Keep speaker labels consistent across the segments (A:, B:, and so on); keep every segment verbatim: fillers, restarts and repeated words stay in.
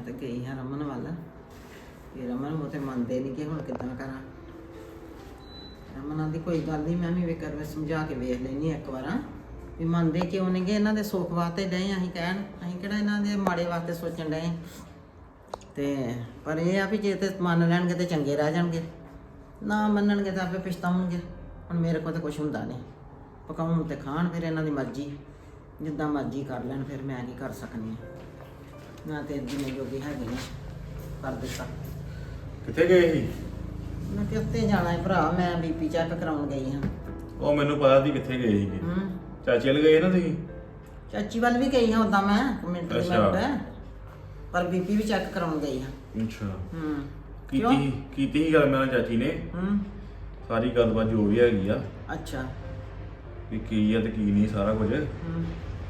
A: ਤੇ ਗਈ ਹਾਂ ਰਮਨ ਵੱਲ ਫਿਰ ਰਮਨ ਉਹ ਤੇ ਮੰਨਦੇ ਨਹੀਂ ਕਿ ਹੁਣ ਕਿੱਦਾਂ ਕਰਾਂ। ਰਮਨ ਦੀ ਕੋਈ ਗੱਲ ਨਹੀਂ, ਮੈਂ ਵੀ ਵੇ ਕਰ ਸਮਝਾ ਕੇ ਵੇਖ ਲੈਣੀ ਇੱਕ ਵਾਰ ਵੀ ਮੰਨਦੇ ਕਿਉਂ ਨਹੀਂ ਗੇ। ਇਹਨਾਂ ਦੇ ਸੁੱਖ ਵਾਸਤੇ ਡਏ ਅਸੀਂ ਕਹਿਣ, ਅਸੀਂ ਕਿਹੜਾ ਇਹਨਾਂ ਦੇ ਮਾੜੇ ਵਾਸਤੇ ਸੋਚਣ ਡਏ। ਤੇ ਪਰ ਇਹ ਆ ਵੀ ਜੇ ਤੇ ਮੰਨ ਲੈਣਗੇ ਤੇ ਚੰਗੇ ਰਹਿ ਜਾਣਗੇ, ਨਾ ਮੰਨਣਗੇ ਤਾਂ ਆਪੇ ਪਛਤਾਉਣਗੇ। ਹੁਣ ਮੇਰੇ ਕੋਲ ਤਾਂ ਕੁਛ ਹੁੰਦਾ ਨਹੀਂ, ਪਕਾਉਣ ਤੇ ਖਾਣ, ਫਿਰ ਇਹਨਾਂ ਦੀ ਮਰਜ਼ੀ, ਜਿੱਦਾਂ ਮਰਜ਼ੀ ਕਰ ਲੈਣ, ਫਿਰ ਮੈਂ ਕੀ ਕਰ ਸਕਦੀ ਹਾਂ। ਮੈਂ ਤੇ ਜਿੰਨੇ ਜੋਗੀ ਹੈਗੀ ਨਾ ਕਰ ਦਿੱਤਾ।
B: ਕਿੱਥੇ ਗਏ ਸੀ?
A: ਮੈਂ ਕਿੱਥੇ ਜਾਣਾ ਹੈ ਭਰਾ, ਮੈਂ ਬੀਪੀ ਚੈੱਕ ਕਰਾਉਣ ਗਈ ਹਾਂ।
B: ਉਹ ਮੈਨੂੰ ਪਤਾ ਸੀ ਕਿੱਥੇ ਗਏ ਸੀਗੇ।
A: ਹੂੰ
B: ਚਾਚੀ ਵੱਲ ਗਏ ਨਾ ਤੁਸੀਂ?
A: ਚਾਚੀ ਵੱਲ ਵੀ ਗਈ ਹਾਂ ਉੱਦਾਂ ਮੈਂ ਮਿੰਟ ਦੀ
B: ਅੱਛਾ।
A: ਮਿੰਟ, ਪਰ ਬੀਪੀ ਵੀ ਚੈੱਕ ਕਰਾਉਣ ਗਈ ਹਾਂ।
B: ਅੱਛਾ।
A: ਹੂੰ
B: ਕੀਤੀ ਕੀਤੀ ਸੀ ਗੱਲ ਮੇਰੇ ਨਾਲ ਚਾਚੀ ਨੇ,
A: ਹੂੰ
B: ਸਾਰੀ ਗੱਲਬਾਤ ਜੋ ਵੀ ਹੈਗੀ ਆ
A: ਅੱਛਾ।
B: ਵੀ ਕੀ ਆ ਤੇ ਕੀ ਨਹੀਂ ਸਾਰਾ ਕੁਝ।
A: ਹੂੰ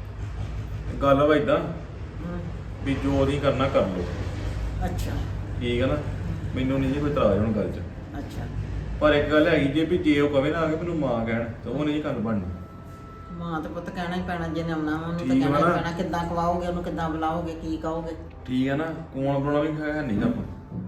B: ਗੱਲ ਵਾ ਏਦਾਂ
A: ਹੂੰ
B: ਵੀ ਜੋ ਨਹੀਂ ਕਰਨਾ ਕਰ ਲਓ,
A: ਅੱਛਾ
B: ਠੀਕ ਆ ਨਾ। ਮੈਨੂੰ ਨਹੀਂ ਜੀ ਕੋਈ ਇਤਰਾਜ਼ ਹੁਣ ਗੱਲ 'ਚ,
A: ਅੱਛਾ।
B: ਪਰ ਇੱਕ ਗੱਲ ਹੈਗੀ ਜੇ ਵੀ ਜੇ ਉਹ ਕਵੇ ਨਾ ਆ ਕੇ ਮੈਨੂੰ ਮਾਂ ਕਹਿਣ ਤਾਂ ਉਹ ਨਹੀਂ ਗੱਲ ਬਣਨੀ।
A: ਮਾਂ ਤੇ ਪੁੱਤ ਕਹਿਣਾ ਹੀ ਪੈਣਾ, ਜਿਹਨੇ ਆਉਣਾ ਵਾ ਉਹਨੂੰ ਤਾਂ
B: ਠੀਕ ਵਾ
A: ਕਹਿਣਾ ਹੀ
B: ਨਾ।
A: ਪੈਣਾ। ਕਿੱਦਾਂ ਖਵਾਓਗੇ ਉਹਨੂੰ, ਕਿੱਦਾਂ ਬੁਲਾਓਗੇ, ਕੀ ਕਹੋਗੇ?
B: ਠੀਕ ਆ ਨਾ, ਕੌਣ ਬਣਾਉਣਾ ਵੀ ਹੈ ਨਹੀਂ ਆਪਾਂ।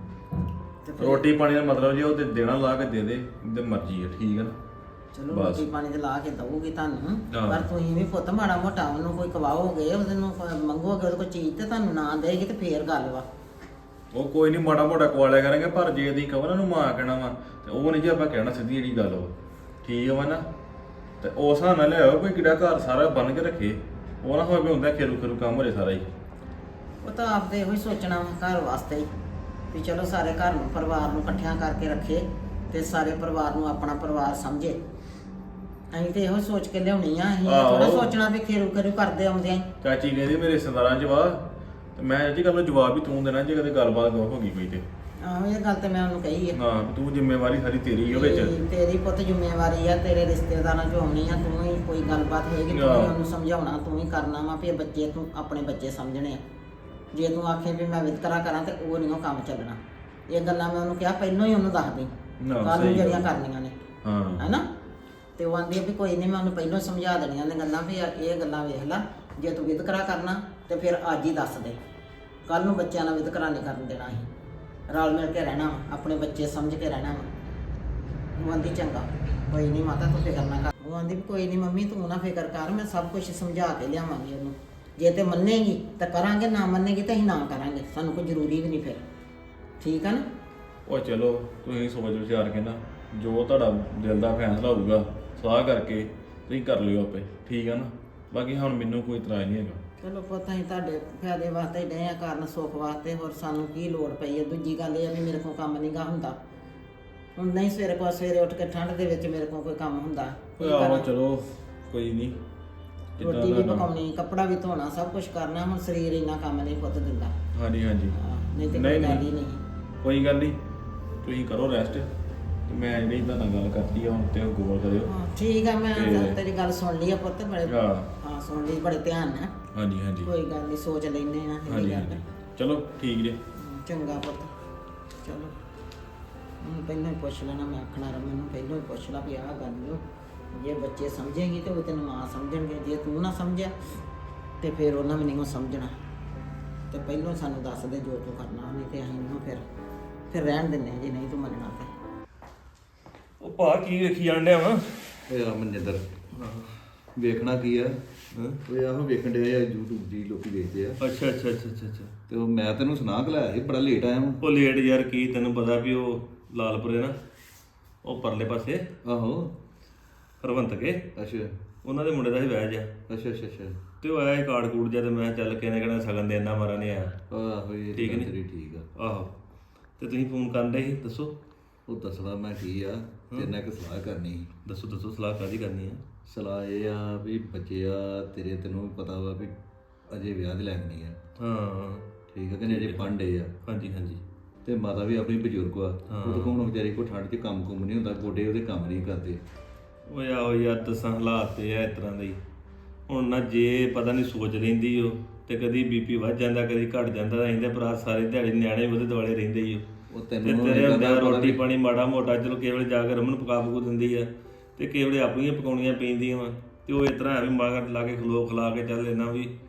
A: ਤੇ ਫਿਰ
B: ਰੋਟੀ ਪਾਣੀ ਦਾ ਮਤਲਬ ਜੇ ਉਹ ਤੇ ਦੇਣਾ ਲਾ ਕੇ ਦੇ ਦੇ ਤੇ ਮਰਜ਼ੀ ਆ, ਠੀਕ ਆ ਨਾ।
A: ਚਲੋ
B: ਬਸ।
A: ਰੋਟੀ ਪਾਣੀ ਤੇ ਲਾ ਕੇ ਦਊਗੀ ਤੁਹਾਨੂੰ,
B: ਹਾਂ।
A: ਪਰ ਤੁਸੀਂ ਵੀ ਪੁੱਤ ਮਾੜਾ ਮੋਟਾ ਉਹਨੂੰ ਕੋਈ ਖਵਾਓਗੇ, ਉਹਦੇ ਨੂੰ ਕੋਈ ਮੰਗੋਗੇ ਉਹਦੇ ਕੋਲ ਚੀਜ਼ ਤੇ ਤੁਹਾਨੂੰ ਨਾ ਦੇਗੀ ਤੇ ਫੇਰ ਗੱਲ ਵਾ।
B: ਉਹ ਕੋਈ ਨਹੀਂ ਮਾੜਾ ਮੋਟਾ ਕੁਆਲਿਆ ਕਰਾਂਗੇ, ਪਰ ਜੇ ਦੀ ਕਹੋ ਨਾ ਉਹਨੂੰ ਮਾਂ ਕਹਿਣਾ ਵਾ ਤੇ ਉਹ ਨਹੀਂ ਜੇ ਆਪਾਂ ਕਹਿਣਾ ਸਿੱਧੀ ਜਿਹੜੀ ਗੱਲ ਵਾ, ਠੀਕ ਵਾ ਨਾ। ਤੇ ਉਸ ਹਿਸਾਬ ਨਾਲ ਲਿਆਓ ਕੋਈ ਕਿਹੜਾ ਘਰ ਸਾਰਾ ਬਣ ਕੇ ਰੱਖੇ, ਉਹ ਨਾ ਹੋਵੇ ਵੀ ਹੁੰਦਾ ਖੇਰੂ ਖੇਰੂ ਕੰਮ ਹੋ ਜਾਏ ਸਾਰਾ ਹੀ।
A: ਉਹ ਤਾਂ ਆਪਦੇ ਇਹੋ ਹੀ ਸੋਚਣਾ ਵਾ ਘਰ ਵਾਸਤੇ ਹੀ, ਵੀ ਚਲੋ ਸਾਰੇ ਘਰ ਨੂੰ ਪਰਿਵਾਰ ਨੂੰ ਇਕੱਠਿਆਂ ਕਰਕੇ ਰੱਖੇ ਤੇ ਸਾਰੇ ਪਰਿਵਾਰ ਨੂੰ ਆਪਣਾ ਪਰਿਵਾਰ ਸਮਝੇ। ਅਸੀਂ ਤੇ ਇਹੋ ਸੋਚ ਕੇ ਲਿਆਉਣੀ ਆ, ਅਸੀਂ
B: ਆਹੋ।
A: ਥੋੜਾ ਸੋਚਣਾ ਵੀ ਖੇਰੂ ਖੇਰੂ ਕਰਦੇ ਆਉਂਦੇ ਆਂ।
B: ਚਾਚੀ ਕਹਿੰਦੀ ਮੇਰੇ ਰਿਸ਼ਤੇਦਾਰਾਂ 'ਚ ਵਾ, ਤੇ ਮੈਂ ਜੀ ਗੱਲ ਨੂੰ ਜਵਾਬ ਵੀ ਤੂੰ ਦੇਣਾ ਜੇ ਕਦੇ ਗੱਲਬਾਤ ਹੋ ਗਈ ਕੋਈ ਤੇ।
A: ਆਹੋ ਇਹ ਗੱਲ ਤੇ ਮੈਂ ਉਹਨੂੰ ਕਹੀ ਹੈ।
B: ਹਾਂ ਤੂੰ ਜ਼ਿੰਮੇਵਾਰੀ ਸਾਰੀ ਤੇਰੀ ਉਹ ਵਿੱਚ।
A: ਤੇਰੀ- ਤੇਰੀ ਪੁੱਤ ਜ਼ਿੰਮੇਵਾਰੀ ਆ, ਤੇਰੇ ਰਿਸ਼ਤੇਦਾਰਾਂ ਚੋਂ ਆਉਣੀ ਆ, ਤੂੰ ਹੀ ਕੋਈ ਗੱਲਬਾਤ ਹੋਏਗੀ ਤੂੰ ਹੀ
B: ਆਹ।
A: ਉਹਨੂੰ ਸਮਝਾਉਣਾ, ਤੂੰ ਹੀ ਕਰਨਾ ਵਾ। ਵੀ ਬੱਚੇ ਤੂੰ ਆਪਣੇ ਬੱਚੇ ਸਮਝਣੇ ਆ। ਜੇ ਤੂੰ ਆਖੇ ਵੀ ਮੈਂ ਵਿਤਕਰਾ ਕਰਾਂ ਤੇ ਉਹ ਨਹੀਂ ਉਹ ਕੰਮ ਚੱਲਣਾ। ਇਹ ਗੱਲਾਂ ਮੈਂ ਉਹਨੂੰ ਕਿਹਾ ਪਹਿਲਾਂ ਹੀ ਉਹਨੂੰ ਦੱਸ ਦੇ,
B: ਨਾ,
A: ਕੱਲ ਨੂੰ
B: ਸਹੀ
A: ਜਿਹੜੀਆਂ
B: ਗੱਲ।
A: ਕਰਨੀਆਂ ਨੇ,
B: ਹਾਂ
A: ਹੈਨਾ। ਤੇ ਉਹ ਆਂਦੀ ਆ ਵੀ ਕੋਈ ਨਹੀਂ, ਮੈਂ ਉਹਨੂੰ ਪਹਿਲਾਂ ਸਮਝਾ ਦੇਣੀਆਂ ਨੇ ਗੱਲਾਂ ਵੀ ਆ- ਇਹ ਗੱਲਾਂ ਵੇਖ ਲੈ, ਜੇ ਤੂੰ ਵਿਤਕਰਾ ਕਰਨਾ ਤੇ ਫਿਰ ਅੱਜ ਹੀ ਦੱਸ ਦੇ, ਕੱਲ ਨੂੰ ਬੱਚਿਆਂ ਨਾਲ ਵਿਤਕਰਾ ਨਹੀਂ ਕਰਨ ਦੇਣਾ। ਅਸੀਂ ਰਲ ਮਿਲ ਕੇ ਰਹਿਣਾ ਵਾ, ਆਪਣੇ ਬੱਚੇ ਸਮਝ ਕੇ ਰਹਿਣਾ ਵਾ। ਉਹ ਆਂਦੀ ਚੰਗਾ ਕੋਈ ਨਹੀਂ ਮਾਤਾ ਤੂੰ ਫਿਕਰ ਨਾ ਕਰ। ਉਹ ਆਂਦੀ ਵੀ ਕੋਈ ਨਹੀਂ ਮੰਮੀ ਤੂੰ ਨਾ ਫਿਕਰ ਕਰ, ਮੈਂ ਸਭ ਕੁਝ ਸਮਝਾ ਕੇ ਲਿਆਵਾਂਗੀ ਉਹਨੂੰ। ਜੇ ਤੇ ਮੰਨੇਗੀ ਤਾਂ ਕਰਾਂਗੇ, ਨਾ ਮੰਨੇਗੀ ਤਾਂ ਅਸੀਂ ਨਾ ਕਰਾਂਗੇ, ਸਾਨੂੰ ਕੋਈ ਜ਼ਰੂਰੀ ਵੀ ਨਹੀਂ ਫਿਰ। ਠੀਕ ਆ ਨਾ।
B: ਉਹ ਚਲੋ ਤੁਸੀਂ ਸੋਚ ਵਿਚਾਰ ਕੇ ਨਾ ਜੋ ਤੁਹਾਡਾ ਦਿਲ ਦਾ ਫੈਸਲਾ ਹੋਊਗਾ ਸਲਾਹ ਕਰਕੇ ਤੁਸੀਂ ਕਰ ਲਿਓ ਆਪੇ, ਠੀਕ ਆ ਨਾ। ਬਾਕੀ ਹੁਣ ਮੈਨੂੰ ਕੋਈ ਇਤਰਾਜ਼ ਨਹੀਂ ਹੈਗਾ।
A: ਚਲੋ ਪੁੱਤ ਅਸੀਂ ਤੁਹਾਡੇ ਫਾਇਦੇ ਵਾਸਤੇ ਹੀ ਡਏ ਆ ਕਰਨ, ਸੁੱਖ ਵਾਸਤੇ, ਹੋਰ ਸਾਨੂੰ ਕੀ ਲੋੜ ਪਈ ਹੈ। ਦੂਜੀ ਗੱਲ ਇਹ ਆ ਵੀ ਮੇਰੇ ਕੋਲ ਕੰਮ ਨਹੀਂ ਗਾ ਹੁੰਦਾ ਹੁਣ, ਨਹੀਂ ਸਵੇਰੇ ਕੋਲ ਸਵੇਰੇ ਉੱਠ ਕੇ ਠੰਡ ਦੇ ਵਿੱਚ ਮੇਰੇ ਕੋਲ ਕੋਈ ਕੰਮ ਹੁੰਦਾ। ਕੀ
B: ਆਹੋ
A: ਕਰਾਂ?
B: ਚਲੋ ਕੋਈ ਨਹੀਂ,
A: ਰੋਟੀ ਵੀ ਪਕਾਉਣੀ, ਕੱਪੜਾ ਵੀ ਧੋਣਾ, ਸਭ ਕੁਝ ਕਰਨਾ। ਹੁਣ ਸਰੀਰ ਇੰਨਾ ਕੰਮ ਨਹੀਂ ਪੁੱਤ ਦਿੰਦਾ।
B: ਹਾਂਜੀ ਹਾਂਜੀ
A: ਹਾਂ, ਨਹੀਂ ਤੇ
B: ਨਹੀਂ
A: ਕੋਈ ਗੱਲ ਹੀ
B: ਨਹੀਂ
A: ਨਹੀਂ।
B: ਕੋਈ ਗੱਲ ਨਹੀਂ, ਤੁਸੀਂ ਕਰੋ ਰੈਸਟ ਤੇ ਮੈਂ ਜਿਹੜੀ ਤੁਹਾਡੇ ਨਾਲ ਗੱਲ ਕਰਤੀ ਆ ਹੁਣ ਤੇ ਉਹ ਗੌਰ ਕਰਿਓ।
A: ਹਾਂ ਠੀਕ ਆ, ਮੈਂ
B: ਤੇ-
A: ਤੇਰੀ ਗੱਲ ਸੁਣ ਲਈ ਆ ਪੁੱਤ, ਬੜੇ
B: ਹਾਂ
A: ਹਾਂ ਸੁਣ ਲਈ ਬੜੇ ਧਿਆਨ ਨਾਲ।
B: ਹਾਂਜੀ ਹਾਂਜੀ
A: ਕੋਈ ਗੱਲ ਨਹੀਂ, ਸੋਚ ਲੈਨੇ ਆ ਇਹ
B: ਹਾਂਜੀ
A: ਗੱਲ।
B: ਹਾਂਜੀ ਚਲੋ ਠੀਕ ਜੇ।
A: ਹਮ, ਚੰਗਾ ਪੁੱਤ ਚਲੋ। ਹੁਣ ਪਹਿਲਾਂ ਹੀ ਪੁੱਛ ਲੈਣਾ, ਮੈਂ ਆਖਣਾ ਰਮਨ ਨੂੰ ਪਹਿਲਾਂ ਹੀ ਪੁੱਛ ਲਾ ਵੀ ਆਹ ਗੱਲ ਨੂੰ ਜੇ ਬੱਚੇ ਸਮਝੇਗੀ ਤੇ ਉਹ ਤੈਨੂੰ ਮਾਂ ਸਮਝਣਗੇ, ਜੇ ਤੂੰ ਨਾ ਸਮਝਿਆ ਤੇ ਫਿਰ ਉਹਨਾਂ ਵੀ ਨਹੀਂ ਉਹ ਸਮਝਣਾ। ਤੇ ਪਹਿਲਾਂ ਸਾਨੂੰ ਦੱਸ ਦੇ ਜੋ ਤੂੰ ਕਰਨਾ, ਨਹੀਂ ਤੇ ਅਸੀਂ ਨੂੰ ਫਿਰ ਫਿਰ ਰਹਿਣ ਦਿੰਦੇ ਹਾਂ ਜੇ ਨਹੀਂ ਤੂੰ ਮੰਨਣਾ ਤੇ।
B: ਉਹ ਭਾ ਕੀ ਵੇਖੀ ਜਾਂਦੇ ਆ
C: ਓਏ ਆ ਮਨਿੰਦਰ, ਵੇਖਣਾ ਕੀ ਆ? ਓਏ ਆਹੋ ਵੇਖਣ ਡਿਆ ਆ YouTube ਦੀ ਲੋਕੀ ਵੇਖਦੇ ਆ।
B: ਅੱਛਾ ਅੱਛਾ ਅੱਛਾ ਅੱਛਾ ਅੱਛਾ
C: ਤੇ ਉਹ ਮੈਂ ਤੈਨੂੰ ਸੁਣਾ ਕੇ ਲਾਇਆ ਸੀ, ਬੜਾ ਲੇਟ ਆਇਆ ਮੈਂ।
B: ਉਹ ਲੇਟ ਯਾਰ ਕੀ ਤੈਨੂੰ ਪਤਾ ਵੀ ਉਹ ਲਾਲਪੁਰੇ ਨਾ ਉਹ ਪਰਲੇ ਪਾਸੇ
C: ਆਹੋ
B: ਹਰਵੰਤ ਕੇ
C: ਅੱਛਾ
B: ਉਹਨਾਂ ਦੇ ਮੁੰਡੇ ਦਾ ਹੀ ਵਿਆਹ ਜਾ
C: ਅੱਛਾ ਅੱਛਾ ਅੱਛਾ
B: ਤੇ ਉਹ ਆਇਆ ਕਾਰਡ ਕੂੜ ਜਾ ਤੇ ਮੈਂ ਕਿਹਾ ਚੱਲ ਕਿਹਨੇ ਕਿਹੜਾ ਸਗਨ ਦੇ ਇੰਨਾ ਮਾਰਾ ਨਹੀਂ ਆਇਆ।
C: ਆਹੋ ਇਹ
B: ਠੀਕ
C: ਗੱਲ
B: ਨੀ?
C: ਤੇਰੀ ਠੀਕ ਆ।
B: ਆਹੋ ਤੇ ਤੁਸੀਂ ਫੋਨ ਕਰਨ ਦੇ ਸੀ, ਦੱਸੋ
C: ਉਹ ਦੱਸਣਾ ਮੈਂ ਕੀ ਆ, ਤੇਰੇ ਨਾਲ ਇੱਕ ਸਲਾਹ ਕਰਨੀ ਸੀ।
B: ਦੱਸੋ ਦੱਸੋ ਸਲਾਹ ਕਾਹਦੀ ਕਰਨੀ ਆ?
C: ਸਲਾਹ ਇਹ ਆ ਵੀ ਬੱਚੇ ਆ ਤੇਰੇ, ਤੈਨੂੰ ਵੀ ਪਤਾ ਵਾ ਵੀ ਅਜੇ ਵਿਆਹ ਦੇ ਲੈਣ ਨਹੀਂ ਆ।
B: ਹਾਂ
C: ਠੀਕ ਆ ਕਿ ਨਹੀਂ, ਅਜੇ ਪੜ੍ਹਦੇ ਆ।
B: ਹਾਂਜੀ ਹਾਂਜੀ
C: ਤੇ ਮਾਤਾ ਵੀ ਆਪਣੀ ਬਜ਼ੁਰਗ ਆ, ਉਹ ਤਾਂ ਹੁਣ ਵਿਚਾਰੀ ਕੋ ਠੰਡ 'ਚ ਕੰਮ ਕੁੰਮ ਨਹੀਂ ਹੁੰਦਾ, ਗੋਡੇ ਉਹਦੇ ਕੰਮ ਨਹੀਂ ਕਰਦੇ।
B: ਉਹ ਆਹੋ ਯਾਰ ਦੱਸਾਂ ਹਾਲਾਤ ਤੇ ਆ ਇਸ ਤਰ੍ਹਾਂ ਦੇ ਹੀ। ਹੁਣ ਨਾ ਜੇ ਪਤਾ ਨਹੀਂ ਸੋਚ ਲੈਂਦੀ ਉਹ ਤੇ ਕਦੀ ਬੀਪੀ ਵੱਧ ਜਾਂਦਾ ਕਦੀ ਘਟ ਜਾਂਦਾ, ਰਹਿੰਦੇ ਭਰਾ ਸਾਰੇ ਦਿਹਾੜੀ ਨਿਆਣੇ ਉਹਦੇ ਦੁਆਲੇ ਰਹਿੰਦੇ ਹੀ ਉਹ।
C: ਉਹ
B: ਤੇ
C: ਤੈਨੂੰ
B: ਤੇਰੇ
C: ਇਹ
B: ਹੁੰਦਿਆਂ
C: ਗੱਲ ਦਾ
B: ਰੋਟੀ
C: ਪਤਾ
B: ਪਾਣੀ ਮਾੜਾ ਮੋਟਾ ਚਲੋ ਕੇਵਲ ਜਾ ਕੇ ਰਮਨ ਪਕਾ ਪਕੂ ਦਿੰਦੀ ਆ ਤੇ ਕੇਵਲ ਆਪਣੀਆਂ ਪਕਾਉਣੀਆਂ ਪੈਂਦੀਆਂ ਵਾ। ਤੇ ਉਹ ਇਸ ਤਰ੍ਹਾਂ ਐਵੇਂ ਮਾਗਰ ਲਾ ਕੇ ਖਲੋ ਖਲਾ ਕੇ ਚੱਲ ਲੈਣਾ ਵੀ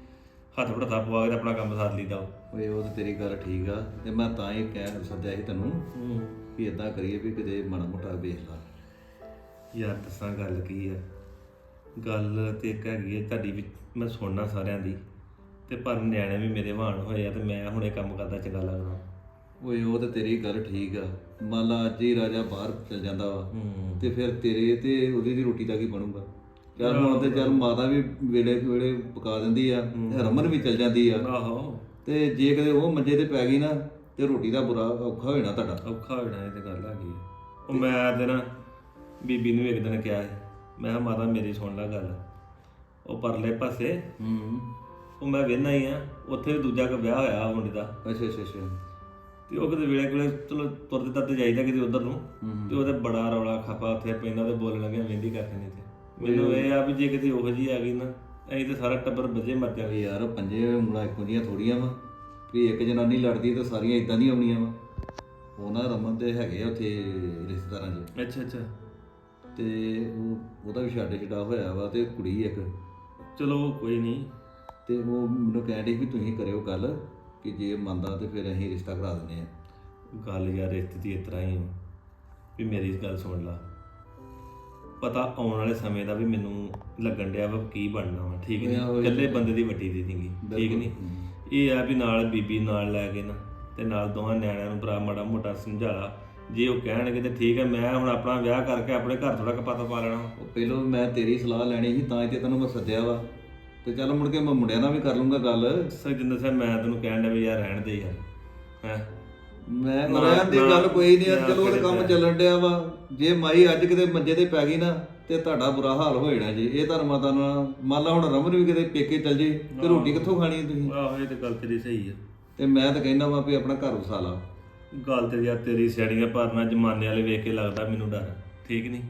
D: ਹੱਥ ਵੜਤਾ ਪਵਾ ਕੇ ਤੇ ਆਪਣਾ ਕੰਮ ਸਾਰ ਲਈਦਾ
C: ਓਏ ਉਹ ਤੇ ਤੇਰੀ ਗੱਲ ਠੀਕ ਆ ਤੇ ਮੈਂ ਤਾਂ ਹੀ ਕਹਿ ਸੱਦਿਆ ਸੀ ਤੈਨੂੰ
D: ਹੂੰ
C: ਵੀ ਇਦਾਂ ਕਰੀਏ ਵੀ ਕਿਤੇ ਮਾੜਾ ਮੋਟਾ ਵੇਖ ਲਾ।
D: ਯਾਰ ਦੱਸਾਂ ਗੱਲ ਕੀ ਆ, ਗੱਲ ਤੇ ਇੱਕ ਹੈਗੀ ਹੈ ਤੁਹਾਡੀ ਵੀ ਮੈਂ ਸੁਣਨਾ ਸਾਰਿਆਂ ਦੀ, ਤੇ ਪਰ ਨਿਆਣੇ ਵੀ ਮੇਰੇ ਵਾਹਣ ਹੋਏ ਆ ਤੇ ਮੈਂ ਹੁਣ ਇਹ ਕੰਮ ਕਰਦਾ ਚੰਗਾ ਲੱਗਦਾ।
C: ਓਏ ਉਹ ਤੇ ਤੇਰੀ ਗੱਲ ਠੀਕ ਆ, ਮੰਨ ਲਾ ਅੱਜ ਹੀ ਰਾਜਾ ਬਾਹਰ ਚਲ ਜਾਂਦਾ ਵਾ
D: ਹੂੰ
C: ਤੇ ਫਿਰ ਤੇਰੇ ਤੇ ਉਹਦੀ ਦੀ ਰੋਟੀ ਦਾ ਕੀ ਬਣੂਗਾ? ਚੱਲ ਹੁਣ ਤੇ ਚੱਲ ਮਾਤਾ ਵੀ ਵੇਲੇ ਵੇਲੇ ਪਕਾ ਦਿੰਦੀ ਆ, ਰਮਨ ਵੀ ਚਲ ਜਾਂਦੀ ਆ,
D: ਆਹੋ
C: ਤੇ ਜੇ ਕਦੇ ਉਹ ਮੰਜੇ ਤੇ ਪੈ ਗਈ ਨਾ ਤੇ ਰੋਟੀ ਦਾ ਬੁਰਾ ਔਖਾ ਹੋ ਜਾਣਾ ਤੁਹਾਡਾ।
D: ਔਖਾ ਹੋ ਜਾਣਾ, ਇਹ ਤੇ ਗੱਲ ਹੈਗੀ ਆ। ਉਹ ਮੈਂ ਤੇ ਨਾ ਬੀਬੀ ਨੂੰ ਇੱਕ ਦਿਨ ਕਿਹਾ ਸੀ, ਮੈਂ ਕਿਹਾ ਮਾਤਾ ਮੇਰੀ ਸੁਣ ਲੈ ਗੱਲ, ਉਹ ਪਰਲੇ ਪਾਸੇ
C: ਹੂੰ
D: ਉਹ ਮੈਂ ਵੇਖਣਾ ਹੀ ਆ, ਉੱਥੇ ਵੀ ਦੂਜਾ ਕੋ ਵਿਆਹ ਹੋਇਆ ਮੁੰਡੇ ਦਾ,
C: ਅੱਛਾ ਅੱਛਾ ਅੱਛਾ
D: ਤੇ ਉਹ ਕਿਤੇ ਵੇਲੇ ਕੋਲੇ ਚਲੋ ਤੁਰਦੇ ਤੁਰਦੇ ਜਾਈਦਾ ਕਿਤੇ ਉਧਰ ਨੂੰ, ਤੇ ਉਹਦੇ ਬੜਾ ਰੌਲਾ ਖਪਾ ਉੱਥੇ ਪੈਂਦਾ ਤੇ ਬੋਲਣ ਲੱਗਿਆ ਮਹਿੰਦੀ ਕਰਕੇ ਨਹੀਂ ਤੇ ਮੈਨੂੰ ਇਹ ਆ ਵੀ ਜੇ ਕਿਤੇ ਉਹੋ ਜਿਹੀ ਆ ਗਈ ਨਾ ਅਸੀਂ ਤੇ ਸਾਰਾ ਟੱਬਰ ਵਜੇ ਮਰ ਜਾਵੇ।
C: ਵੀ ਯਾਰ ਪੰਜੇ ਉਂਗਲਾਂ ਇੱਕੋ ਜਿਹੀਆਂ ਥੋੜੀਆਂ ਵਾ ਵੀ ਇੱਕ ਜਨਾਨੀ ਲੜਦੀ ਤਾਂ ਸਾਰੀਆਂ ਇਦਾਂ ਦੀਆਂ ਆਉਣੀਆਂ ਵਾ। ਉਹਨਾਂ ਰਮਨ ਦੇ ਹੈਗੇ ਆ ਉੱਥੇ ਰਿਸ਼ਤੇਦਾਰਾਂ 'ਚ,
D: ਅੱਛਾ ਅੱਛਾ
C: ਤੇ ਉਹ ਉਹਦਾ ਵੀ ਛੱਡ ਛਡਾ ਹੋਇਆ ਵਾ ਤੇ ਕੁੜੀ ਇੱਕ,
D: ਚਲੋ ਕੋਈ ਨਹੀਂ।
C: ਤੇ ਉਹ ਮੈਨੂੰ ਕਹਿਣ ਡਈ ਵੀ ਤੁਸੀਂ ਕਰਿਓ ਗੱਲ ਕਿ ਜੇ ਮੰਨਦਾ ਤੇ ਫਿਰ ਅਸੀਂ ਰਿਸ਼ਤਾ ਕਰਾ ਦਿੰਦੇ ਆ।
D: ਗੱਲ ਯਾਰ ਰਿਸ਼ਤੇ ਦੀ ਇਸ ਤਰ੍ਹਾਂ ਹੀ ਆ ਵੀ ਮੇਰੀ ਗੱਲ ਸੁਣ ਲਾ, ਪਤਾ ਆਉਣ ਵਾਲੇ ਸਮੇਂ ਦਾ ਵੀ ਮੈਨੂੰ ਲੱਗਣ ਡਿਆ ਵਾ ਕੀ ਬਣਨਾ ਵਾ, ਠੀਕ ਨਹੀਂ, ਇਕੱਲੇ ਬੰਦੇ ਦੀ ਵੱਡੀ ਦੀ ਨਹੀਂਗੀ, ਠੀਕ ਨਹੀਂ। ਇਹ ਆ ਵੀ ਨਾਲ ਬੀਬੀ ਨਾਲ ਲੈ ਕੇ ਨਾ ਤੇ ਨਾਲ ਦੋਵਾਂ ਨਿਆਣਿਆਂ ਨੂੰ ਭਰਾ ਮਾੜਾ ਮੋਟਾ ਸਮਝਾ ਲਾ, ਜੇ ਉਹ ਕਹਿਣਗੇ ਤੇ ਠੀਕ ਹੈ। ਮੈਂ ਹੁਣ ਆਪਣਾ ਵਿਆਹ ਕਰਕੇ ਆਪਣੇ ਘਰ ਥੋੜਾ ਕਪਾਤਾ ਪਾ ਲੈਣਾ।
C: ਉਹ ਪਹਿਲਾਂ ਮੈਂ ਤੇਰੀ ਸਲਾਹ ਲੈਣੀ ਸੀ ਤਾਂ ਹੀ ਤੇ ਤੈਨੂੰ ਮੈਂ ਸੱਦਿਆ ਵਾ, ਤੇ ਚੱਲ ਮੁੜ ਕੇ ਮੈਂ ਮੁੰਡਿਆਂ ਨਾਲ ਵੀ ਕਰ ਲੂੰਗਾ ਗੱਲ।
D: ਸਜਿੰਦਰ ਸਾਹਿਬ ਮੈਂ ਤੈਨੂੰ ਕਹਿਣ ਡਿਆ ਵੀ ਯਾਰ ਰਹਿਣ ਦੇ ਯਾਰ, ਹੈ
C: ਮੈਂ
D: ਨਾ-
C: ਰਹਿਣ ਦੀ
D: ਨਾ-
C: ਗੱਲ ਕੋਈ ਨਹੀਂ,
D: ਨਾ
C: ਚਲੋ ਉਹ
D: ਕਰੇ
C: ਕੰਮ
D: ਪਿਆ।
C: ਚੱਲਣ ਡਿਆ ਵਾ। ਜੇ ਮਾਈ ਅੱਜ ਕਿਤੇ ਮੰਜੇ ਤੇ ਪੈ ਗਈ ਨਾ ਤੇ ਤੁਹਾਡਾ ਬੁਰਾ ਹਾਲ ਹੋ ਜਾਣਾ ਜੀ। ਇਹ ਧਰਮਾਂ ਦਾ ਨਾ ਮੰਨ ਲਾ ਹੁਣ ਰਮਨ ਵੀ ਕਿਤੇ ਪੇਕੇ ਚੱਲ ਜੇ ਤੇ ਰੋਟੀ ਕਿੱਥੋਂ ਖਾਣੀ ਹੈ ਤੁਸੀਂ?
D: ਆਹੋ ਇਹ ਤੇ ਗੱਲ ਤੇਰੀ ਸਹੀ ਆ।
C: ਤੇ ਮੈਂ ਤਾਂ ਕਹਿੰਦਾ ਵਾ ਵੀ ਆਪਣਾ ਘਰ ਵਸਾ ਲਾ।
D: ਗੱਲ ਤੇ ਯਾਰ ਤੇਰੀ ਸਿਆੜੀਆਂ ਭਰਨਾ ਜ਼ਮਾਨੇ ਵਾਲੇ ਵੇਖ ਕੇ ਲੱਗਦਾ ਮੈਨੂੰ ਡਰ, ਠੀਕ ਨਹੀਂ।